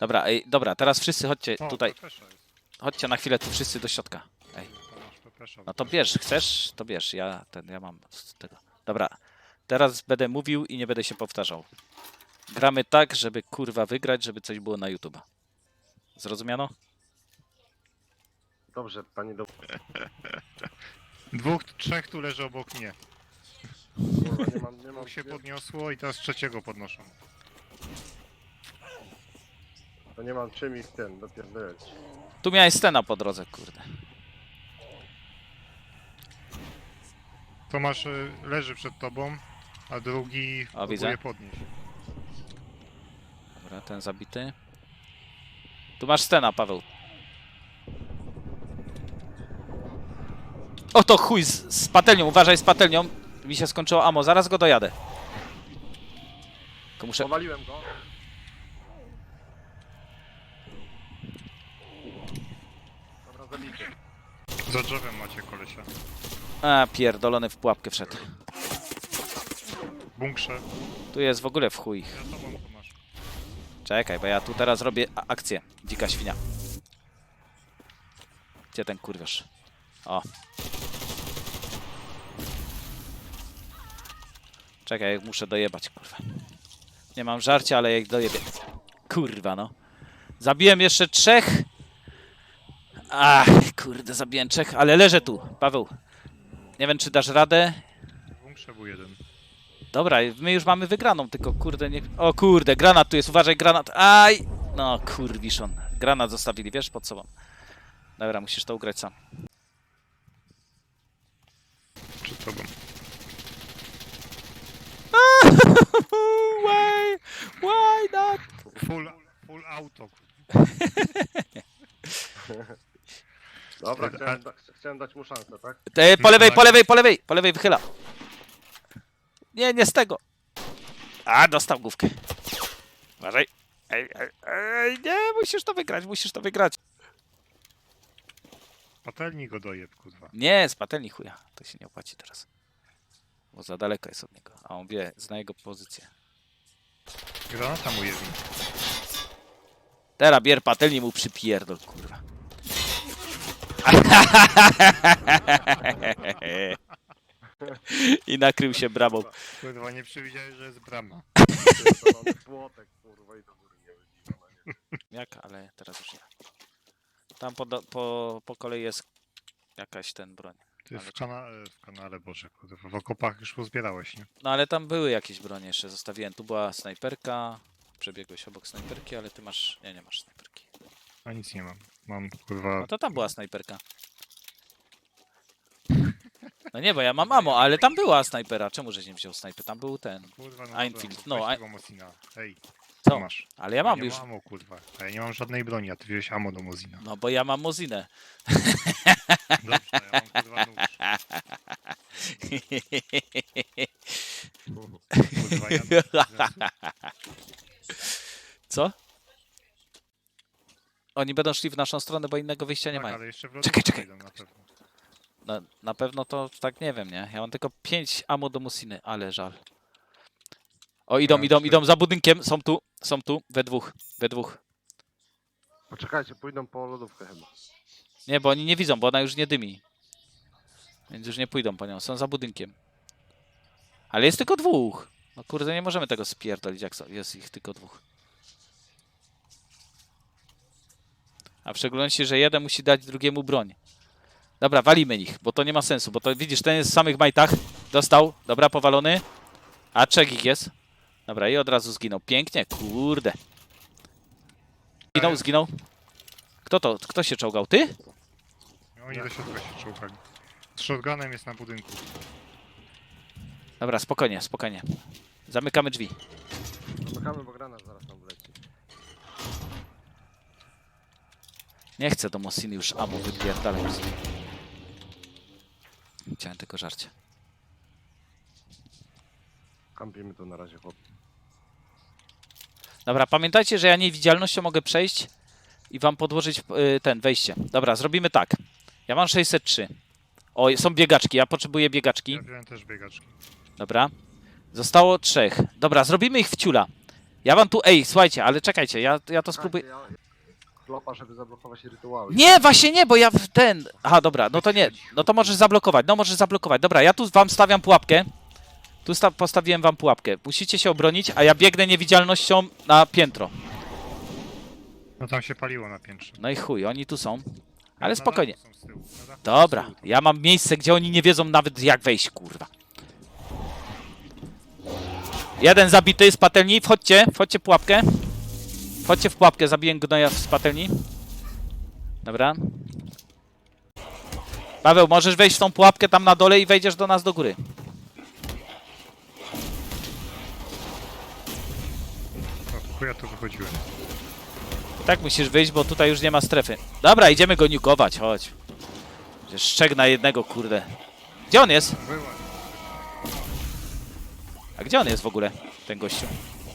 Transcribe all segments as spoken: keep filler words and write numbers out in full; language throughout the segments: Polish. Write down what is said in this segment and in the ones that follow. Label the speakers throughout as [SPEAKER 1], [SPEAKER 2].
[SPEAKER 1] Dobra, ej, dobra, teraz wszyscy chodźcie
[SPEAKER 2] O,
[SPEAKER 1] tutaj.
[SPEAKER 2] pepesza jest.
[SPEAKER 1] Chodźcie na chwilę tu wszyscy do środka. Ej.
[SPEAKER 2] To masz pepesza.
[SPEAKER 1] No to bierz, chcesz? To bierz, ja ten, ja mam z tego. Dobra, teraz będę mówił i nie będę się powtarzał. Gramy tak, żeby kurwa wygrać, żeby coś było na YouTube'a. Zrozumiano?
[SPEAKER 3] Dobrze, panie do...
[SPEAKER 2] Dwóch, trzech tu leży obok mnie.
[SPEAKER 3] Kurwa, nie mam, nie mam...
[SPEAKER 2] Dwóch się podniosło i teraz trzeciego podnoszą.
[SPEAKER 3] To nie mam czym ich ten dopierdolać.
[SPEAKER 1] Tu miałeś scena po drodze, kurde.
[SPEAKER 2] Tomasz y, leży przed tobą, a drugi
[SPEAKER 1] O, widzę.
[SPEAKER 2] próbuje podnieść.
[SPEAKER 1] Dobra, ten zabity. Tu masz scena, Paweł. O to chuj, z, z patelnią, uważaj z patelnią. Mi się skończyło ammo, zaraz go dojadę. Tylko muszę...
[SPEAKER 3] Powaliłem go. Dobra, zabity.
[SPEAKER 2] Za drzewem macie kolesia.
[SPEAKER 1] A, pierdolony w pułapkę wszedł.
[SPEAKER 2] W bunkrze.
[SPEAKER 1] Tu jest w ogóle w chuj.
[SPEAKER 2] Za tobą, Tomasz.
[SPEAKER 1] Czekaj, bo ja tu teraz robię a- akcję. Dzika świnia. Gdzie ten kurwiarz? O. Czekaj, muszę dojebać, kurwa. Nie mam żarcia, ale jak dojebię. Kurwa, no. Zabiłem jeszcze trzech. Ach, kurde, zabiłem trzech, ale leżę tu, Paweł. Nie wiem, czy dasz radę.
[SPEAKER 2] W bunkrze był jeden.
[SPEAKER 1] Dobra, my już mamy wygraną, tylko kurde nie... O kurde, granat tu jest, uważaj, granat. Aj! No kurwiszon. Granat zostawili, wiesz, pod sobą. Dobra, musisz to ugrać sam.
[SPEAKER 2] Przed tobą.
[SPEAKER 1] Why? Why not?
[SPEAKER 2] Full, full auto.
[SPEAKER 3] Dobra,
[SPEAKER 2] Ty-
[SPEAKER 3] chciałem, da, chciałem dać mu szansę, tak?
[SPEAKER 1] Te, po lewej, po lewej, po lewej, po lewej wychyla. Nie, nie z tego. A, dostał główkę. Uważaj. Ej, ej, ej, nie, musisz to wygrać, musisz to wygrać.
[SPEAKER 2] Patelni go dojeb, kurwa.
[SPEAKER 1] Nie, z patelni chuja. To się nie opłaci teraz. Bo za daleko jest od niego. A on wie, zna jego pozycję.
[SPEAKER 2] Granata mu jedni.
[SPEAKER 1] Teraz bier patelni mu przypierdol, kurwa. I nakrył się bramą.
[SPEAKER 2] Kurwa, nie przewidziałeś, że jest brama.
[SPEAKER 3] To mamy płotek, kurwa, i do góry nie wybiła, nie?
[SPEAKER 1] Jak? Ale teraz już nie. Tam po, do- po, po kolei jest jakaś ten broń.
[SPEAKER 2] Ty
[SPEAKER 1] Ale
[SPEAKER 2] w, kana w kanale, Boże, kurwa. W okopach już pozbierałeś, nie?
[SPEAKER 1] No ale tam były jakieś bronie jeszcze, zostawiłem. Tu była snajperka. Przebiegłeś obok snajperki, ale ty masz... Nie, nie masz snajperki.
[SPEAKER 2] A nic nie mam. Mam, kurwa...
[SPEAKER 1] No to tam była snajperka. No nie, bo ja mam ammo, ale tam była snajpera. Czemu żeś nie wziął snajpy? Tam był ten.
[SPEAKER 2] Kurwa, no
[SPEAKER 1] Einfield,
[SPEAKER 2] dobra,
[SPEAKER 1] no,
[SPEAKER 2] weź
[SPEAKER 1] Ein-
[SPEAKER 2] tego Mosina. Hej,
[SPEAKER 1] Co?
[SPEAKER 2] masz.
[SPEAKER 1] Ale ja mam
[SPEAKER 2] nie
[SPEAKER 1] już...
[SPEAKER 2] mam ammo, kurwa. A ja nie mam żadnej broni, a ty wziąłeś ammo do Mosina.
[SPEAKER 1] No bo ja mam Mozinę.
[SPEAKER 2] Dobrze, ja mam kurwa nóż. Kurwa, ja...
[SPEAKER 1] Co? Oni będą szli w naszą stronę, bo innego wyjścia nie
[SPEAKER 2] tak,
[SPEAKER 1] mają.
[SPEAKER 2] ale jeszcze w
[SPEAKER 1] Czekaj, czekaj.
[SPEAKER 2] wejdą na pewno.
[SPEAKER 1] Na, na pewno to tak nie wiem, nie? Ja mam tylko pięć ammo do Musiny, ale żal. O, idą,
[SPEAKER 2] Ja
[SPEAKER 1] idą,
[SPEAKER 2] cztery.
[SPEAKER 1] idą za budynkiem. Są tu, są tu, we dwóch, we dwóch.
[SPEAKER 3] Poczekajcie, pójdą po lodówkę chyba.
[SPEAKER 1] Nie, bo oni nie widzą, bo ona już nie dymi. Więc już nie pójdą po nią, są za budynkiem. Ale jest tylko dwóch. No kurde, nie możemy tego spierdolić, jak so- jest ich tylko dwóch. A w szczególności, że jeden musi dać drugiemu broń. Dobra, walimy ich, bo to nie ma sensu, bo to widzisz, ten jest w samych majtach. Dostał, dobra, powalony. A trzech ich jest. Dobra, i od razu zginął. Pięknie, kurde. Zginął, zginął. Kto to? Kto się czołgał? Ty?
[SPEAKER 2] Oni do środka się czołgali. Z shotgunem jest na budynku.
[SPEAKER 1] Dobra, spokojnie, spokojnie. Zamykamy drzwi.
[SPEAKER 3] Zamykamy, bo granat zaraz nam wleci.
[SPEAKER 1] Nie chcę do Mosiny już ammo wypierdalać. Chciałem tylko żarcie.
[SPEAKER 3] Kampimy tu na razie, chłop.
[SPEAKER 1] Dobra, pamiętajcie, że ja niewidzialnością mogę przejść i wam podłożyć y, ten, wejście. Dobra, zrobimy tak. Ja mam sześćset trzy. O, są biegaczki, ja potrzebuję biegaczki.
[SPEAKER 2] Ja wziąłem też biegaczki.
[SPEAKER 1] Dobra. Zostało trzech. Dobra, zrobimy ich w ciula. Ja wam tu, ej, słuchajcie, ale czekajcie, ja, ja to spróbuję.
[SPEAKER 3] Ja- Klopa, żeby zablokować rytuały.
[SPEAKER 1] Nie, właśnie nie, bo ja w ten... Aha, dobra, no to nie, no to możesz zablokować, no możesz zablokować. Dobra, ja tu wam stawiam pułapkę. Tu sta postawiłem wam pułapkę. Musicie się obronić, a ja biegnę niewidzialnością na piętro.
[SPEAKER 2] No tam się paliło na piętrze.
[SPEAKER 1] No i chuj, oni tu są.
[SPEAKER 2] Na
[SPEAKER 1] Ale
[SPEAKER 2] dachu
[SPEAKER 1] spokojnie.
[SPEAKER 2] są z tyłu, na dachu są z
[SPEAKER 1] Dobra,
[SPEAKER 2] tyłu.
[SPEAKER 1] ja mam miejsce, gdzie oni nie wiedzą nawet jak wejść, kurwa. Jeden zabity z patelni, wchodźcie, wchodźcie w pułapkę. Wchodźcie w pułapkę, zabiję gnoja z patelni. Dobra. Paweł, możesz wejść w tą pułapkę tam na dole i wejdziesz do nas do góry.
[SPEAKER 2] O, chuj, ja tu wychodziłem.
[SPEAKER 1] I tak musisz wyjść, bo tutaj już nie ma strefy. Dobra, idziemy go niukować, chodź. Przecież szczeg na jednego, kurde. Gdzie on jest?
[SPEAKER 2] Była.
[SPEAKER 1] A gdzie on jest w ogóle, ten gościu?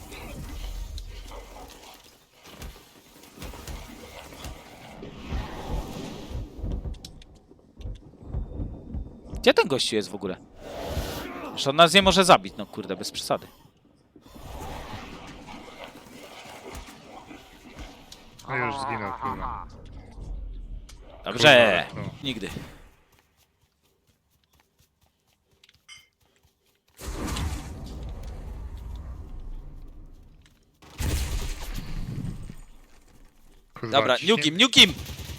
[SPEAKER 1] Gdzie ten gościu jest w ogóle? Że on nas nie może zabić, no kurde, bez przesady.
[SPEAKER 2] No już zginął, kurwa.
[SPEAKER 1] Dobrze,
[SPEAKER 2] Kurwa, no.
[SPEAKER 1] nigdy.
[SPEAKER 2] Kurwa,
[SPEAKER 1] Dobra,
[SPEAKER 2] ciśnie-
[SPEAKER 1] niukim, niukim!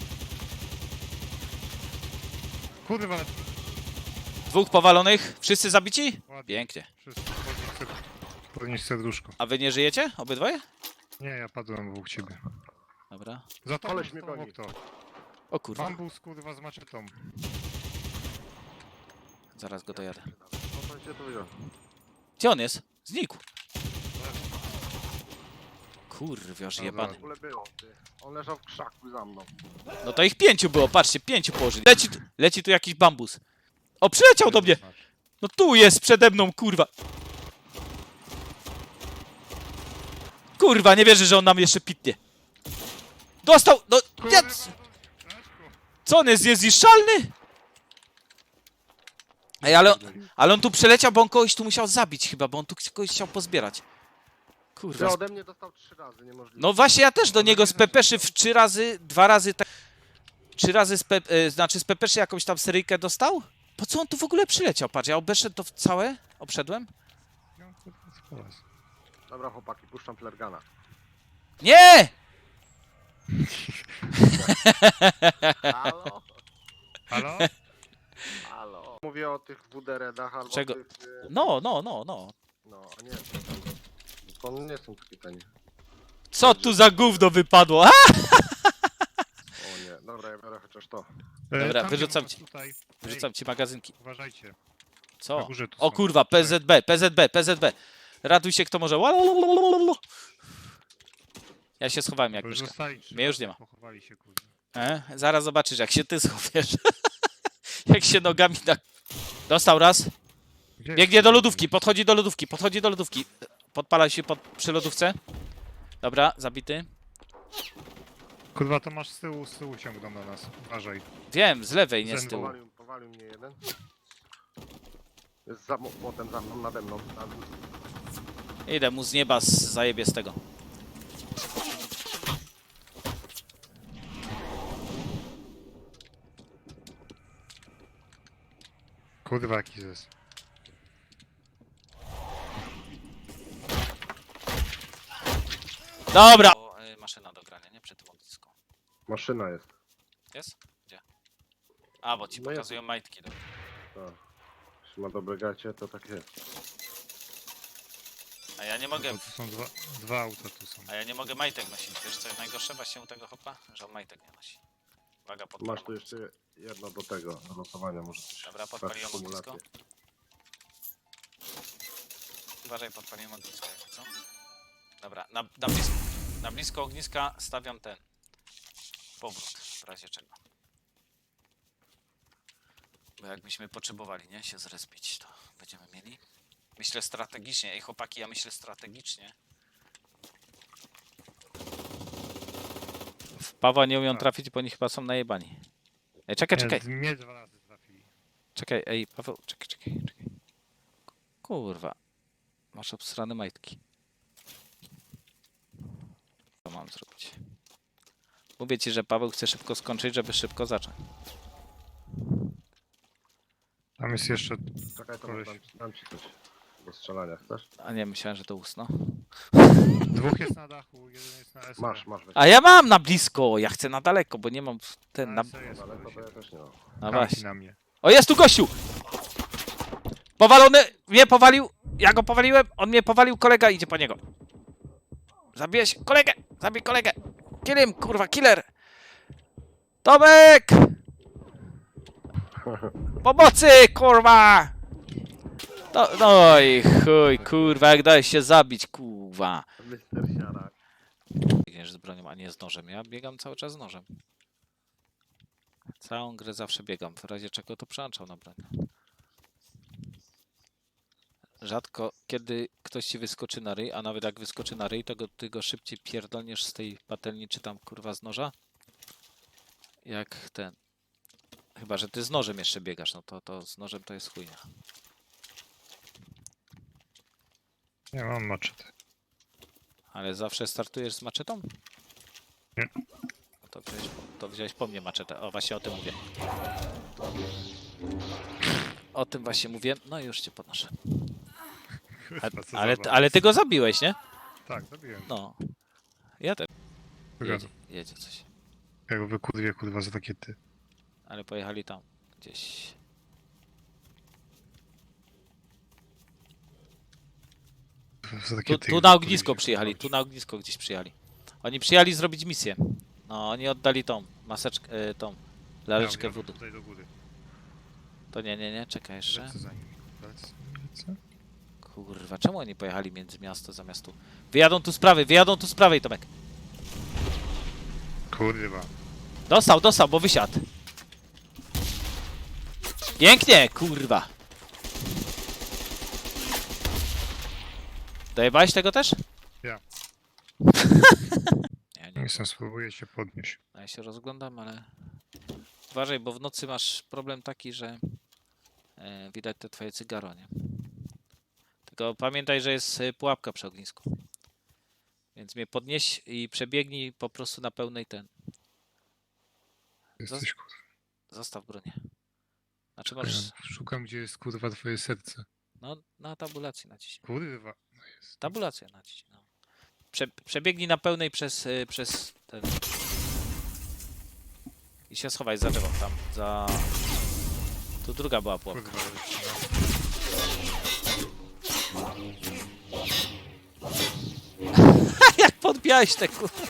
[SPEAKER 2] Kurwa,
[SPEAKER 1] Dwóch powalonych, wszyscy zabici?
[SPEAKER 2] ładnie.
[SPEAKER 1] Pięknie.
[SPEAKER 2] Wszyscy podnieś ser- podnieś serduszko.
[SPEAKER 1] A wy nie żyjecie? Obydwoje?
[SPEAKER 2] Nie, ja padłem obok ciebie.
[SPEAKER 1] Dobra.
[SPEAKER 2] Za to
[SPEAKER 3] Koleś mnie goni.
[SPEAKER 2] to.
[SPEAKER 1] O kurwa,
[SPEAKER 2] Bambus, kurwa, z maczetą.
[SPEAKER 1] zaraz go dojadę.
[SPEAKER 3] No to się to wziął.
[SPEAKER 1] Gdzie on jest? Znikł. Kurwiarz
[SPEAKER 2] Dobra.
[SPEAKER 1] jebany.
[SPEAKER 3] W ogóle było, ty. On leżał w krzaku za mną.
[SPEAKER 1] No to ich pięciu było, patrzcie, pięciu położyli. Leci tu, leci tu jakiś bambus. O, przyleciał do mnie! No tu jest, przede mną, kurwa. Kurwa, nie wierzę, że on nam jeszcze pitnie. Dostał, no,
[SPEAKER 2] Kurwa,
[SPEAKER 1] nie, c-
[SPEAKER 2] Leszku.
[SPEAKER 1] co on jest, niezniszczalny? Ej, ale, ale on tu przeleciał, bo on kogoś tu musiał zabić chyba, bo on tu kogoś chciał pozbierać.
[SPEAKER 3] Ty
[SPEAKER 1] Kurwa.
[SPEAKER 3] ode mnie dostał trzy razy, niemożliwe.
[SPEAKER 1] No właśnie, ja też do niego z pepeszy w trzy razy, dwa razy tak... Trzy razy z, pe, e, znaczy z pepeszy jakąś tam seryjkę dostał? Po co on tu w ogóle przyleciał? Patrz, ja obeszedł to w całe, obszedłem.
[SPEAKER 2] Ja, kurwa, spalać.
[SPEAKER 3] Dobra chłopaki, puszczam flergana.
[SPEAKER 1] Nie!
[SPEAKER 3] Halo?
[SPEAKER 2] Halo?
[SPEAKER 3] Halo? Mówię o tych W D R-ach albo
[SPEAKER 1] Czego?
[SPEAKER 3] tych... y,
[SPEAKER 1] No, no, no, no.
[SPEAKER 3] No, a nie, to tam... To nie są takie tanie.
[SPEAKER 1] Co tu za gówno wypadło? A!
[SPEAKER 3] O nie, dobra, ja biorę chociaż to.
[SPEAKER 2] E,
[SPEAKER 1] Dobra,
[SPEAKER 2] tam
[SPEAKER 1] wyrzucam
[SPEAKER 2] nie ma
[SPEAKER 1] ci.
[SPEAKER 2] Tutaj.
[SPEAKER 1] Wyrzucam ci magazynki.
[SPEAKER 2] Ej, uważajcie. Na
[SPEAKER 1] Co?
[SPEAKER 2] górze tu
[SPEAKER 1] O
[SPEAKER 2] są.
[SPEAKER 1] kurwa, P Z B, P Z B, P Z B. Raduj się kto może. Łalalalalalala. Ja się schowałem jak
[SPEAKER 2] Bo już
[SPEAKER 1] myszka.
[SPEAKER 2] zostali trzy
[SPEAKER 1] Mnie już
[SPEAKER 2] razy,
[SPEAKER 1] nie ma.
[SPEAKER 2] Pochowali się, kurwa.
[SPEAKER 1] E? Zaraz zobaczysz jak się ty schowiesz. Jak się nogami tak... Dostał raz.
[SPEAKER 2] Gdzie
[SPEAKER 1] Biegnie
[SPEAKER 2] jest?
[SPEAKER 1] do lodówki, podchodzi do lodówki, podchodzi do lodówki. Podpala się pod, przy lodówce. Dobra, zabity.
[SPEAKER 2] Kurwa, to masz z tyłu, z tyłu ciągną na nas. Uważaj.
[SPEAKER 1] Wiem, z lewej, nie z
[SPEAKER 2] Zen-
[SPEAKER 1] tyłu.
[SPEAKER 3] Powalił, powalił mnie jeden. Jest za młotem za mną, nade mną. Na...
[SPEAKER 1] Idę mu z nieba z zajebie z tego.
[SPEAKER 2] Kurwa, jaki zes.
[SPEAKER 1] Dobra! O, y, maszyna do grania, nie? Przy tym ognisku.
[SPEAKER 3] Maszyna jest.
[SPEAKER 1] Jest? Gdzie? A, bo ci
[SPEAKER 3] No jest.
[SPEAKER 1] pokazują majtki. Dobra.
[SPEAKER 3] Tak. Jeśli ma dobre gacie, to tak jest.
[SPEAKER 1] A ja nie mogę...
[SPEAKER 2] Bo tu są dwa, dwa auta tu są.
[SPEAKER 1] A ja nie mogę majtek nosić. Wiesz co jest najgorsze właśnie u tego hopa? Że on majtek nie nosi. Uwaga, podpalam.
[SPEAKER 3] Masz tu jeszcze jedno do tego, do losowania może coś.
[SPEAKER 1] Dobra,
[SPEAKER 3] Sprawdź
[SPEAKER 1] podpaliłem ognisko.
[SPEAKER 3] symulację.
[SPEAKER 1] Uważaj, podpaliłem ognisko, jakby co? Dobra, na, na, blisko, na blisko ogniska stawiam ten powrót, w razie czego. Bo jakbyśmy potrzebowali, nie, się zrespić, to będziemy mieli. Myślę strategicznie, ej chłopaki, ja myślę strategicznie. W Pawła nie umią trafić, bo oni chyba są najebani. Ej, czekaj, czekaj,
[SPEAKER 2] Nie, mnie dwa razy trafili.
[SPEAKER 1] czekaj, ej, Paweł, czekaj, czekaj, czekaj. Kurwa, masz obsrane majtki. mam zrobić? Mówię ci, że Paweł chce szybko skończyć, żeby szybko zacząć.
[SPEAKER 2] Tam jest jeszcze...
[SPEAKER 3] Czekaj, to
[SPEAKER 2] Koleś.
[SPEAKER 3] dam, dam ci coś do strzelania, chcesz?
[SPEAKER 1] A nie, myślałem, że to usno.
[SPEAKER 2] Dwóch jest na dachu, jeden jest na S.
[SPEAKER 3] Masz, masz. weź.
[SPEAKER 1] A ja mam na blisko, ja chcę na daleko, bo nie mam ten na...
[SPEAKER 2] Na jest
[SPEAKER 3] Ale to,
[SPEAKER 2] koleś.
[SPEAKER 3] to ja też nie mam.
[SPEAKER 1] No
[SPEAKER 2] Kampi
[SPEAKER 1] właśnie.
[SPEAKER 2] na mnie.
[SPEAKER 1] O, jest tu gościu! Powalony! Mnie powalił! Ja go powaliłem, on mnie powalił, kolega idzie po niego. Zabiłeś kolegę! Zabij kolegę! Kill him, kurwa, killer! Tomek! Pomocy, kurwa! No, no i chuj, kurwa, jak dałeś się zabić, kurwa.
[SPEAKER 3] mister Siara.
[SPEAKER 1] Biegniesz z bronią, a nie z nożem. Ja biegam cały czas z nożem. Całą grę zawsze biegam, w razie czego to przełączam na broń. Rzadko kiedy ktoś ci wyskoczy na ryj, a nawet jak wyskoczy na ryj, to go, ty go szybciej pierdolniesz z tej patelni, czy tam kurwa z noża. Jak ten. Chyba, że ty z nożem jeszcze biegasz, no to, to z nożem to jest chujnia.
[SPEAKER 2] Nie mam maczetę.
[SPEAKER 1] Ale zawsze startujesz z maczetą?
[SPEAKER 2] Nie.
[SPEAKER 1] No to wziąłeś, po- to wziąłeś po mnie maczetę. O, właśnie o tym mówię. O tym właśnie mówię. No i już cię podnoszę. A,
[SPEAKER 2] Kurwa, co
[SPEAKER 1] ale,
[SPEAKER 2] za
[SPEAKER 1] ale ty go zabiłeś, nie?
[SPEAKER 2] Tak, zabiłem.
[SPEAKER 1] No. Ja też.
[SPEAKER 2] Kurwa,
[SPEAKER 1] Jedzie, jedzie coś.
[SPEAKER 2] Ja go wykurwię, kurwa, za takie ty.
[SPEAKER 1] Ale pojechali tam. Gdzieś.
[SPEAKER 2] Za takie
[SPEAKER 1] Tu,
[SPEAKER 2] ty
[SPEAKER 1] tu
[SPEAKER 2] ich
[SPEAKER 1] na
[SPEAKER 2] wykurwię,
[SPEAKER 1] ognisko
[SPEAKER 2] kurwa.
[SPEAKER 1] przyjechali. Tu na ognisko gdzieś przyjechali. Oni przyjechali zrobić misję. No, oni oddali tą maseczkę, y, tą laleczkę
[SPEAKER 2] Ja, ja
[SPEAKER 1] wody.
[SPEAKER 2] tutaj do góry.
[SPEAKER 1] To nie, nie, nie, czekaj jeszcze.
[SPEAKER 2] Lecę za nim. Lecę, lecę.
[SPEAKER 1] Kurwa, czemu oni pojechali między miasto zamiast tu? Wyjadą tu z prawej, wyjadą tu z prawej, Tomek.
[SPEAKER 2] Kurwa.
[SPEAKER 1] Dostał, dostał, bo wysiadł. Pięknie, kurwa. Dojebałeś tego też?
[SPEAKER 2] Ja.
[SPEAKER 1] Ja nie.
[SPEAKER 2] Jestem, spróbuję się podnieść.
[SPEAKER 1] Ja się rozglądam, ale... Uważaj, bo w nocy masz problem taki, że... E, widać te twoje cygaro, nie? Tylko pamiętaj, że jest e, pułapka przy ognisku. Więc mnie podnieś i przebiegnij po prostu na pełnej ten.
[SPEAKER 2] Jesteś, kurwa.
[SPEAKER 1] Zostaw bronię. Znaczy
[SPEAKER 2] Ja
[SPEAKER 1] możesz...
[SPEAKER 2] szukam, gdzie jest, kurwa, twoje serce.
[SPEAKER 1] No, na tabulację naciśnij.
[SPEAKER 2] Kurwa. No jest.
[SPEAKER 1] Tabulację naciśnij, no. Prze, przebiegnij na pełnej przez, y, przez ten... I się schowaj za drzewo, tam, za... Tu druga była pułapka.
[SPEAKER 2] Kurwa, ale-
[SPEAKER 1] Jak podbijałeś te kur...